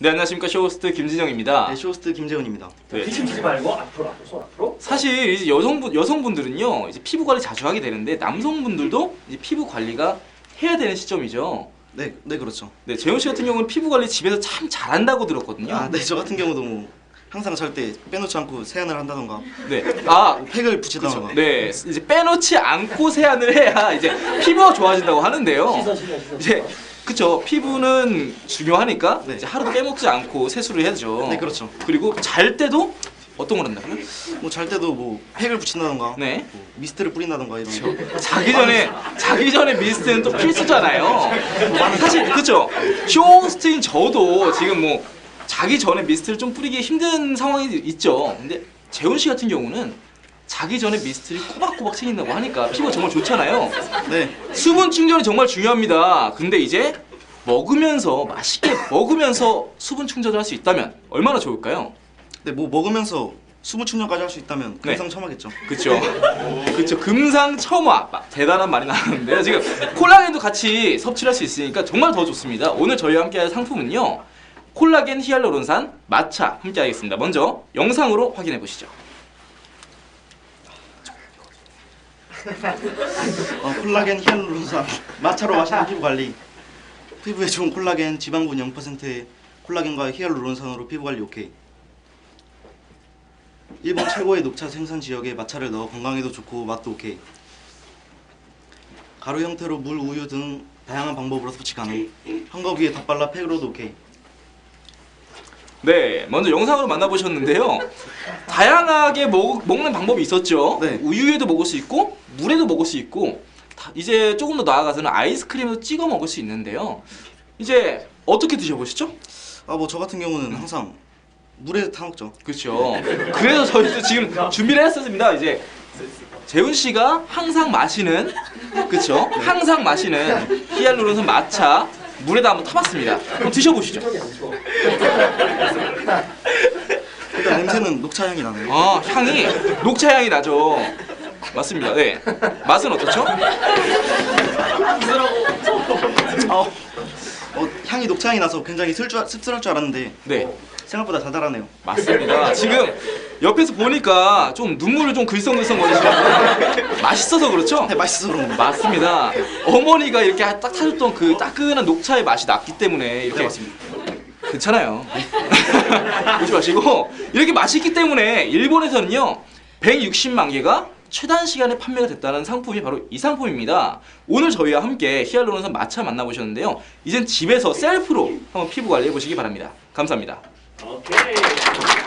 네, 안녕하십니까. 쇼호스트 김진영입니다. 네, 쇼호스트 김재훈입니다. 네. 뒤집지 말고 앞으로 손 앞으로. 사실 이제 여성분들은요 이제 피부 관리 자주 하게 되는데 남성분들도 이제 피부 관리가 해야 되는 시점이죠. 네, 그렇죠. 네, 재훈 씨 같은 경우는 피부 관리 집에서 참 잘한다고 들었거든요. 아, 네, 저 같은 경우도 뭐 항상 잘 때 빼놓지 않고 세안을 한다던가 네, 뭐 팩을 붙이다던가. 네, 이제 빼놓지 않고 세안을 해야 이제 피부가 좋아진다고 하는데요. 시선. 이제 그쵸, 피부는 중요하니까 네. 이제 하루도 빼먹지 않고 세수를 해야죠. 네, 그렇죠. 그리고 잘 때도 어떤 걸 한다고요? 뭐 잘 때도 뭐 팩을 붙인다던가, 네. 뭐 미스트를 뿌린다던가 이런 거. 자기 전에 미스트는 또 필수잖아요. 사실 그쵸? 쇼호스트인 저도 지금 뭐 자기 전에 미스트를 좀 뿌리기 힘든 상황이 있죠. 근데 재훈 씨 같은 경우는 자기 전에 미스트를 꼬박꼬박 챙긴다고 하니까 피부가 정말 좋잖아요. 네, 수분 충전이 정말 중요합니다. 근데 이제 먹으면서 맛있게 먹으면서 수분 충전을 할 수 있다면 얼마나 좋을까요? 네, 뭐 먹으면서 수분 충전까지 할 수 있다면 네. 금상첨화겠죠. 그쵸? 그쵸. 금상첨화. 대단한 말이 나왔는데요. 지금 콜라겐도 같이 섭취를 할 수 있으니까 정말 더 좋습니다. 오늘 저희와 함께 할 상품은요, 콜라겐 히알루론산 마차 함께 하겠습니다. 먼저 영상으로 확인해 보시죠. 콜라겐 히알루론산 마차로 마시는 피부 관리. 피부에 좋은 콜라겐, 지방분 0%의 콜라겐과 히알루론산으로 피부 관리 오케이. 일본 최고의 녹차 생산 지역에 마차를 넣어 건강에도 좋고 맛도 오케이. 가루 형태로 물, 우유 등 다양한 방법으로 섭취 가능. 한 컵 위에 덧발라 팩으로도 오케이. 네, 먼저 영상으로 만나보셨는데요. 다양하게 먹는 방법이 있었죠. 네. 우유에도 먹을 수 있고 물에도 먹을 수 있고 이제 조금 더 나아가서는 아이스크림에도 찍어 먹을 수 있는데요. 이제 어떻게 드셔보시죠? 아, 뭐 저 같은 경우는 항상 물에 타 먹죠. 그렇죠. 그래서 저희도 지금 준비를 했었습니다. 이제 재훈 씨가 항상 마시는, 그렇죠? 항상 마시는 히알루론산 마차 물에다 한번 타봤습니다. 그럼 드셔보시죠. 일단 냄새는 녹차 향이 나네요. 아, 향이 녹차 향이 나죠. 맞습니다. 네. 맛은 어떻죠? 향이 녹차 향이 나서 굉장히 씁쓸할 줄 알았는데 네. 생각보다 달달하네요. 맞습니다. 지금 옆에서 보니까 좀 눈물을 좀 글썽글썽 거리시는데 맛있어서 그렇죠? 네, 맛있어서 그런 겁니다. 맞습니다. 어머니가 이렇게 딱 타줬던 그 따끈한 녹차의 맛이 났기 때문에 이렇게 괜찮아요. 보지 마시고 이렇게 맛있기 때문에 일본에서는요 160만 개가 최단 시간에 판매가 됐다는 상품이 바로 이 상품입니다. 오늘 저희와 함께 히알루론산 마차 만나보셨는데요. 이젠 집에서 셀프로 한번 피부 관리해 보시기 바랍니다. 감사합니다. 오케이.